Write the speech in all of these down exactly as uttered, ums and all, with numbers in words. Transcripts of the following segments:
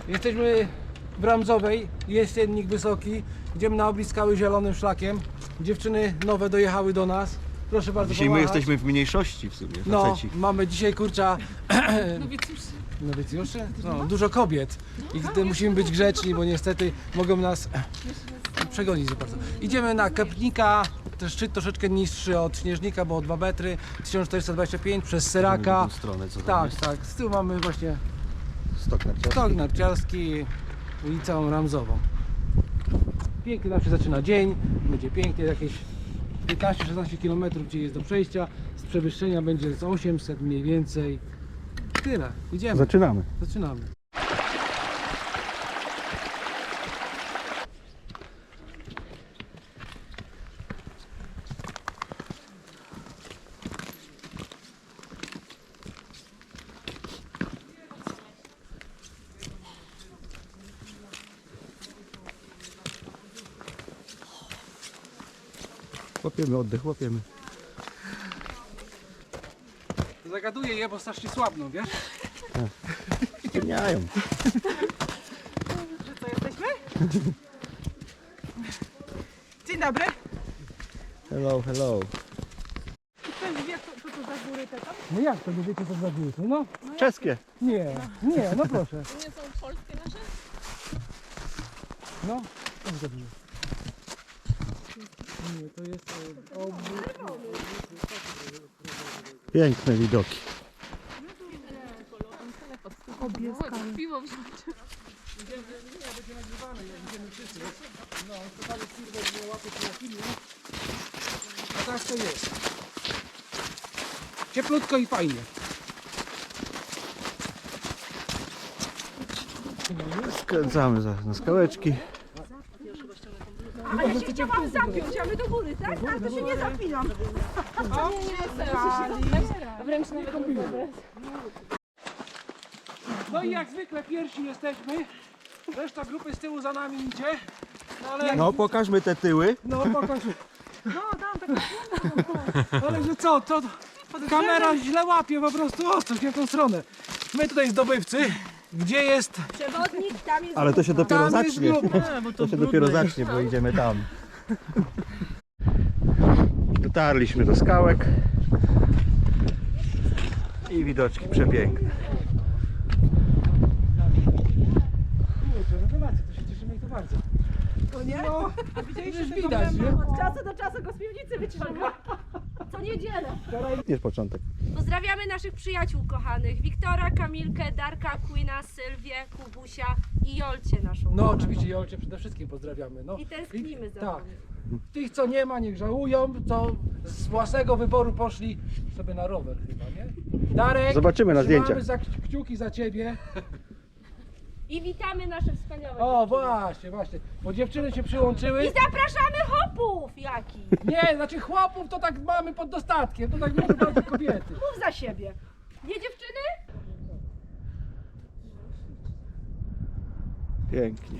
Jesteśmy w Ramzowej, jest jennik wysoki. Idziemy na oblicz skały zielonym szlakiem. Dziewczyny nowe dojechały do nas. Proszę bardzo Dzisiaj my pomachać. jesteśmy w mniejszości w sumie, No, faceci. mamy dzisiaj kurcza Nowicjuszy. nowicjuszy? No, dużo kobiet. I gdy musimy być grzeczni, bo niestety mogą nas przegonić za bardzo. Idziemy na Kepnika, ten szczyt troszeczkę niższy od Śnieżnika, bo o dwa metry, tysiąc czterysta dwadzieścia pięć przez Seraka. W tą stronę, co tam Tak, jest? tak. Z tyłu mamy właśnie Stok narciarski. stok narciarski i całą Ramzową. Pięknie nam się zaczyna dzień, będzie pięknie, jakieś piętnaście szesnaście kilometrów gdzie jest do przejścia, z przewyższenia będzie z osiemset mniej więcej. Tyle, idziemy, Zaczynamy. zaczynamy. Łapiemy oddech, łapiemy. Zagaduję je, bo strasznie słabną, wiesz? Ciemniają. Że co, jesteśmy? Dzień dobry. Hello, hello. Ktoś wie, co, co to za góry te tam? No jak to, nie wiecie co za góry? No, Czeskie. nie, nie, no proszę. To nie są polskie nasze? No, co za góry? Nie, to jest e, obóz. Piękne widoki. Obieska. Piwo wziąć. Nie, będzie nagrywane, jak idziemy wszyscy. No, to firmę nie łapie się na filmie. A tak to jest. Cieplutko i fajnie. Skręcamy za, na skałeczki. A ja się chciałam zapiąć, a my do góry, tak? A to się nie zapinam. O, wręcz nawet No i jak zwykle pierwsi jesteśmy. Reszta grupy z tyłu za nami idzie. No ale, No, pokażmy te tyły. no pokaż. No, tam tak. Ale że co, to kamera źle łapie po prostu ostro, nie w tą stronę. My tutaj zdobywcy. Gdzie jest? Przewodnik, tam jest. Ale to się dopiero Tam jest zacznie. grupa. To się dopiero zacznie, bo idziemy tam. Dotarliśmy do skałek. I widoczki przepiękne. Kurczę, rewelacja, to się cieszymy i to bardzo. To nie? No, A widzieliście już tego widać, mema? nie? Od czasu do czasu go z piwnicy wyciąga. Co niedzielę. Jest początek. Pozdrawiamy naszych przyjaciół kochanych, Wiktora, Kamilkę, Darka, Queena, Sylwię, Kubusia i Jolcie naszą. No oczywiście Jolcie przede wszystkim pozdrawiamy. No. I tęsknimy za Tak. wami. Tych co nie ma niech żałują, co z własnego wyboru poszli sobie na rower chyba, nie? Darek, Zobaczymy na trzymamy zdjęciach. za kciuki za ciebie. I witamy nasze wspaniałe O dziewczyny. właśnie, właśnie, bo dziewczyny się przyłączyły. I zapraszamy hopów, Jaki. Nie, znaczy chłopów to tak mamy pod dostatkiem, to tak mówią bardzo kobiety. Mów za siebie. Nie dziewczyny? Pięknie.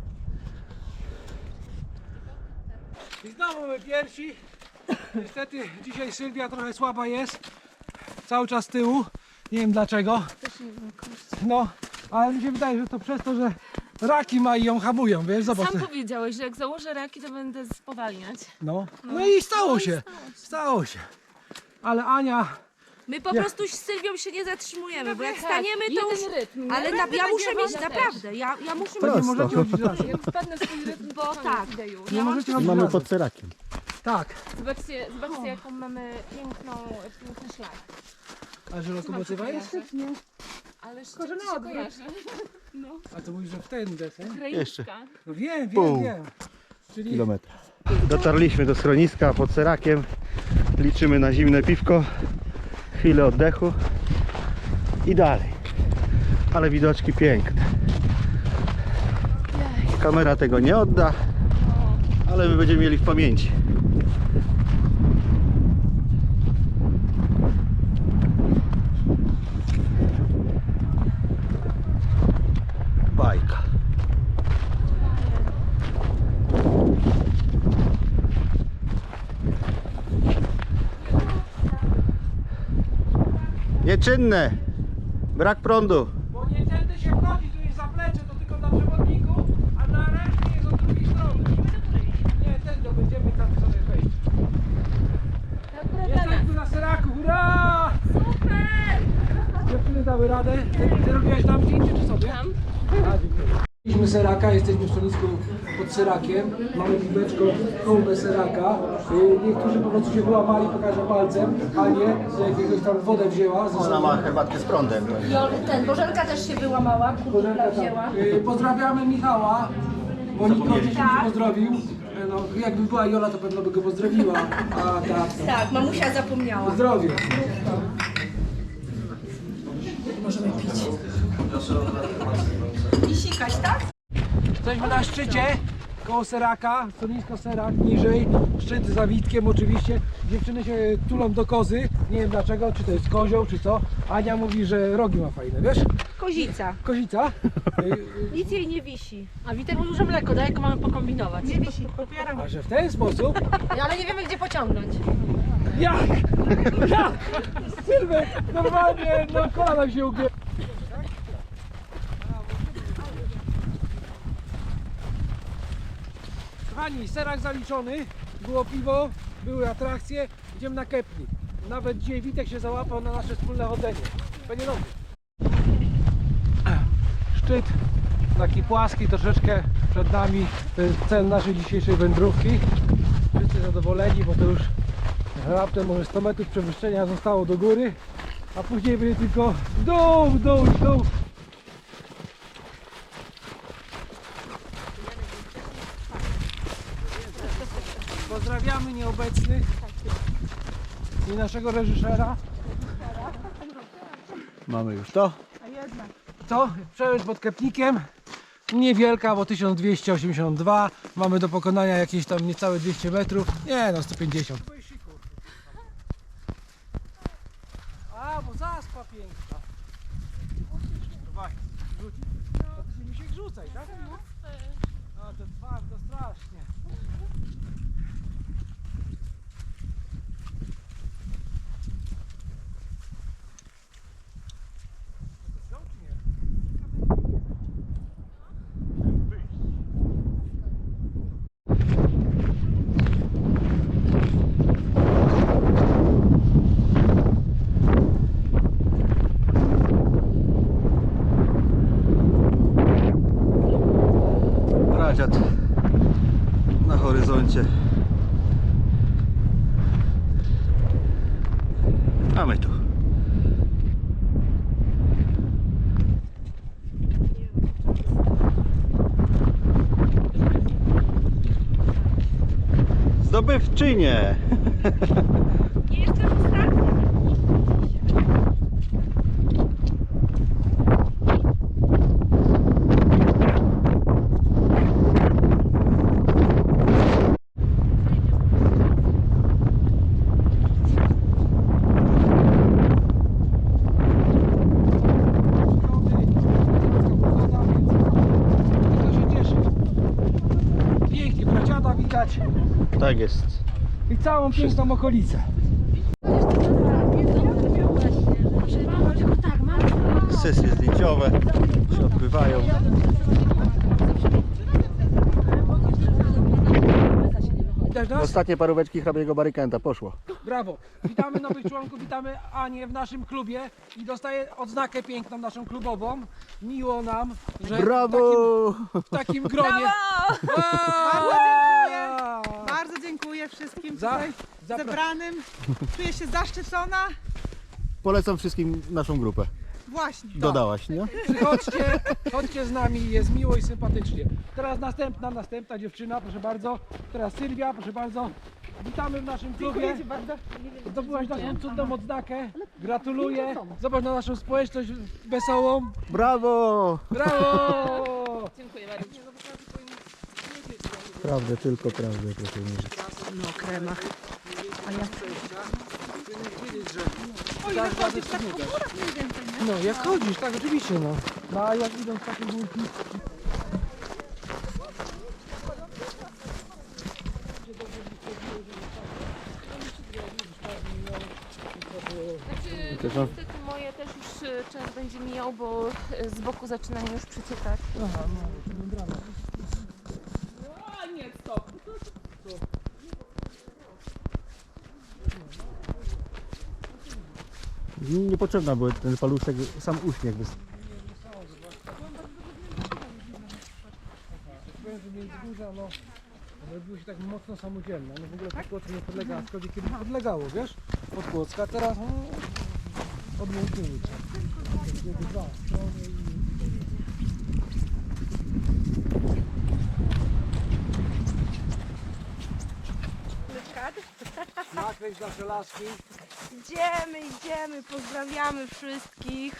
I znowu my pierwsi. Niestety dzisiaj Sylwia trochę słaba jest. Cały czas z tyłu. Nie wiem dlaczego. No, ale mi się wydaje, że to przez to, że raki ma i ją hamują, wiesz, zobacz. Sam powiedziałeś, że jak założę raki, to będę spowalniać. No, no i stało się. Stało się. Ale Ania, My po Ja- prostu z Sylwią się nie zatrzymujemy, bo jak tak, staniemy to już... jeden rytm. Ale na, Naprawdę ja muszę będzie mieć, woda naprawdę, ja, ja muszę Prosto. mieć... nie możecie chodzić razem. Jak wpadnę w swój rytm, Bo to tak. koniec ideju. Nie Ja mam możecie chodzić Mamy razem. pod serakiem. Tak. Zobaczcie, zobaczcie jaką mamy piękną, piękny szlak. A że lokomotywa jest? Ale z Tylko, że czym na się odwrót. kojarzy? A to mówisz, że w ten desen? Jeszcze. Krajówka. No wiem, wiem, Pół wiem. Czyli Kilometra. Dotarliśmy do schroniska pod serakiem. Liczymy na zimne piwko. Chwilę oddechu. I dalej. Ale widoczki piękne. Kamera tego nie odda. Ale my będziemy mieli w pamięci. Bajka. Nieczynne. Brak prądu. bo nie tędy się wchodzi, tu jest zaplecze, to radę? Ty, ty robiłaś nam zdjęcie czy sobie? Tam. A, dziękuję. Mieliśmy seraka, jesteśmy w stolisku pod serakiem. Mamy piweczko, kołbę seraka. Y, Niektórzy po prostu się wyłamali, pokażę palcem, a nie z jakiegoś tam wodę wzięła. Ze Ona ma herbatkę z prądem. Ten, Bożenka też się wyłamała, kurczę wzięła. Y, Pozdrawiamy Michała, bo nikt go dzisiaj nie pozdrowił. Y, No, jakby była Jola, to pewno by go pozdrowiła. A tak, Tak, mamusia zapomniała. zdrowie. Możemy pić. I sikać, tak? Jesteśmy na szczycie, koło seraka, stanowisko serak, niżej, szczyt za Witkiem oczywiście. Dziewczyny się tulą do kozy, nie wiem dlaczego, czy to jest kozioł, czy co. Ania mówi, że rogi ma fajne, wiesz? Kozica. Kozica. Nic jej nie wisi. A Witek mówił, że mleko daje, jak mamy pokombinować. Nie wisi. A że w ten sposób, Ale nie wiemy, gdzie pociągnąć. jak? Jak? Sylwek, normalnie, no kolana się ugięły. Kochani, serak zaliczony, było piwo, były atrakcje, idziemy na kemping. Nawet dzisiaj Witek się załapał na nasze wspólne chodzenie. Będzie dobrze. Szczyt taki płaski, troszeczkę przed nami. To jest cel naszej dzisiejszej wędrówki. Wszyscy zadowoleni, bo to już raptem może sto metrów przewyższenia zostało do góry, a później będzie tylko w dół, w dół, w dół. Pozdrawiamy nieobecnych i naszego reżysera. Mamy już to. To przełęcz pod Kepnikiem. Niewielka, bo tysiąc dwieście osiemdziesiąt dwa. Mamy do pokonania jakieś tam niecałe dwieście metrów. Nie no, sto pięćdziesiąt. A, bo zaspa piękna. Dawaj, rzucić. No to się mi się rzucaj, tak? No to twardo, strasznie. To czy nie? Radziat na horyzoncie. A my tu. Zdobywczynie. Nie jestem ostatnia. To się cieszy. Pięknie, braciada widać Tak jest. i całą piękną okolicę. Sesje zdjęciowe się odbywają. Widać nas? Ostatnie paróweczki hrabiego Barykenta poszło. Brawo. Witamy nowych członków, witamy Anię w naszym klubie i dostaje odznakę piękną naszą klubową. Miło nam, że Brawo! w takim, w takim gronie. Bardzo dziękuję. Bardzo dziękuję wszystkim Za, tutaj za, zebranym. Czuję się zaszczycona. Polecam wszystkim naszą grupę. Właśnie. Dodałaś, nie? Przychodźcie, chodźcie z nami, jest miło i sympatycznie. Teraz następna, następna dziewczyna, proszę bardzo. Teraz Sylwia, proszę bardzo. Witamy w naszym klubie. Zdobyłaś naszą cudną odznakę. Gratuluję. Zobacz na naszą społeczność wesołą. Brawo! Brawo! Prawdę, tylko prawdę, proszę mi żyć. O ile chodzisz tak po górach mniej więcej, nie? No jak chodzisz, tak oczywiście no. No a jak idą takie górki. Znaczy, To co? niestety moje też już y, czas będzie mijał, bo y, z boku zaczynają już przeciekać. Aha, no, to membrana. A nie, stop. Niepotrzebna była ten paluszek, sam uśmiech wystarczy. Powiem, że Międzygórza, no, robiło się tak mocno samodzielne. No w ogóle Podkłodzko nie podlega, aczkolwiek kiedyś podlegało, wiesz? Podkłodzka, a teraz no, odmłodniły się. Dwa strony i... Nakreśl nasze laski. Idziemy, idziemy, pozdrawiamy wszystkich.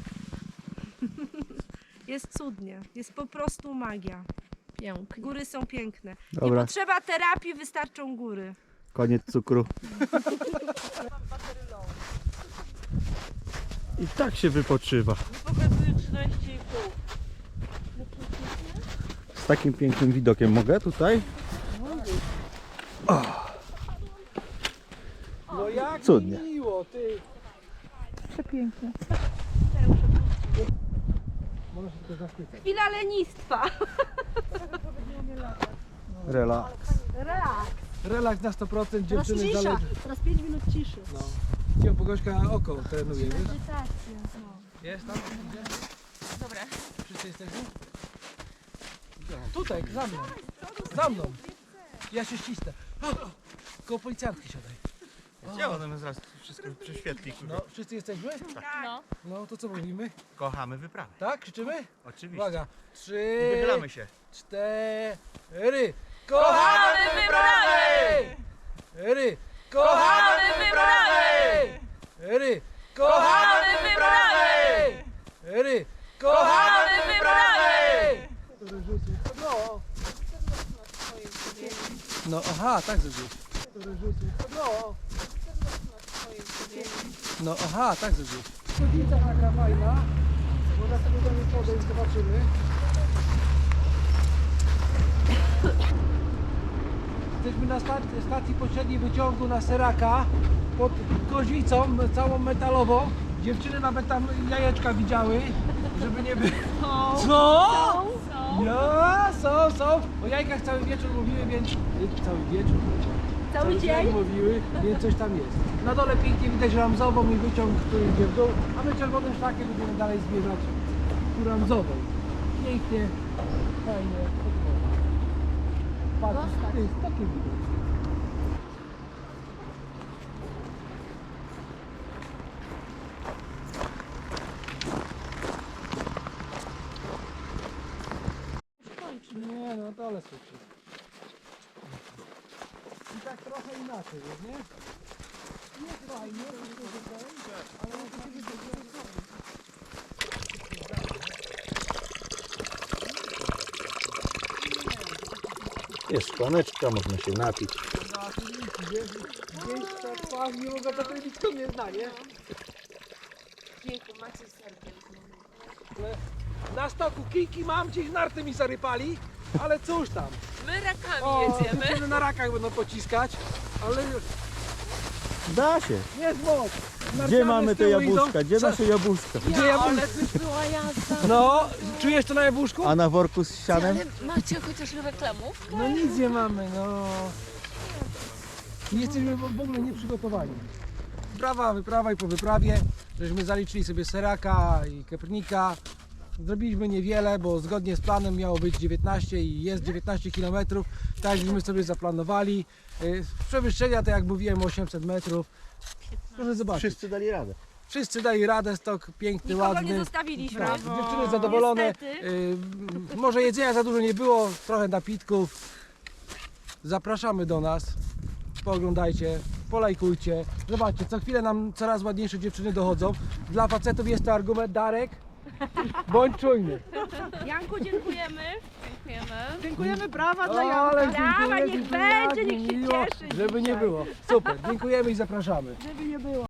Jest cudnie, jest po prostu magia. Pięknie. Góry są piękne. Nie Dobra, potrzeba terapii, wystarczą góry. koniec cukru. I tak się wypoczywa. Z takim pięknym widokiem mogę tutaj? No jak Cudnie. miło, ty. Przepięknie. Można się tylko zachwycać. Chwila lenistwa. Relaks. Relaks. Relaks na sto procent, dziewczyny zależy. Teraz pięć minut ciszy. No. Cię Bogośka oko trenuje, wiesz? Jest tam? Idzie? Dobra. Wszyscy jesteśmy? Tutaj, za mną. Za mną. Ja się ścisnę. O, o, koło policjantki siadaj. Ja ona zaraz wszystko prześwietli. No, wszyscy jesteśmy? No. No, to co mówimy? Kochamy wyprawę. Tak? Krzyczymy? Oczywiście. Uwaga. Trzy, Wychylamy się. cztery. Kochamy wyprawy! Ry. Kochamy wyprawy! Ry. Kochamy wyprawy! Ry. Kochamy wyprawy! No. No, aha, tak zrobiłeś. No. No, aha, tak zrobiłeś. Chodnica taka fajna. Można sobie do niej podejść, zobaczymy. Jesteśmy na stacji, stacji pośredniej wyciągu na Seraka pod kozicą całą metalową. Dziewczyny nawet tam jajeczka widziały, żeby nie było. Co? Ja, są, są. O jajkach cały wieczór mówiły, więc cały wieczór. Cały dzień? Mówiły, więc coś tam jest. Na dole pięknie widać Ramzową i wyciąg, który idzie w dół, a my czerwonym szlakiem będziemy dalej zmierzać ku Ramzowej. Pięknie, fajnie. Patrz, to jest takie widać. Nie no, dole słuchaj. I tak trochę inaczej, jest, nie? Nie fajnie, tylko tutaj, ale on to się wydaje. Jest szklaneczka, można się napić. Gdzieś tak pachnie, mogę to powiedzieć, kto mnie zna, nie? Dziękuję, macie serce. Ale na stoku kijki mam, gdzieś narty mi zarypali, ale cóż tam. My rakami O, jedziemy. dziewczyny na rakach będą pociskać, ale Da się. jest moc. Gdzie Narciarze mamy z te tyłu jabłuszka? idą. Gdzie Co? nasze jabłuszka? Gdzie jabłuszka? Już była jazda. No, czujesz to na jabłuszku? A na worku z sianem? Ale macie chociaż reklamów? No nic nie mamy, no. Nie jesteśmy w w ogóle nieprzygotowani. Wyprawa, wyprawa i po wyprawie, żeśmy zaliczyli sobie Seraka i Keprnika. Zrobiliśmy niewiele, bo zgodnie z planem miało być dziewiętnaście i jest dziewiętnaście kilometrów. Tak żeśmy sobie zaplanowali. Y, Przewyższenia to jak mówiłem osiemset metrów. Proszę zobaczyć. Wszyscy dali radę. Wszyscy dali radę, stok piękny, Nikogo ładny. nie zostawiliśmy. Tak, dziewczyny zadowolone. Niestety. Y, może jedzenia za dużo nie było, trochę napitków. Zapraszamy do nas. Pooglądajcie, polajkujcie. Zobaczcie, co chwilę nam coraz ładniejsze dziewczyny dochodzą. Dla facetów jest to argument, Darek. Bądź czujny. Janku, dziękujemy. Dziękujemy. Dziękujemy, brawa dla O, Janka. ale Brawa, dziękuję, niech dziękuję, będzie, jak niech się miło, cieszy żeby nie dzisiaj. było. Super, dziękujemy i zapraszamy. Żeby nie było.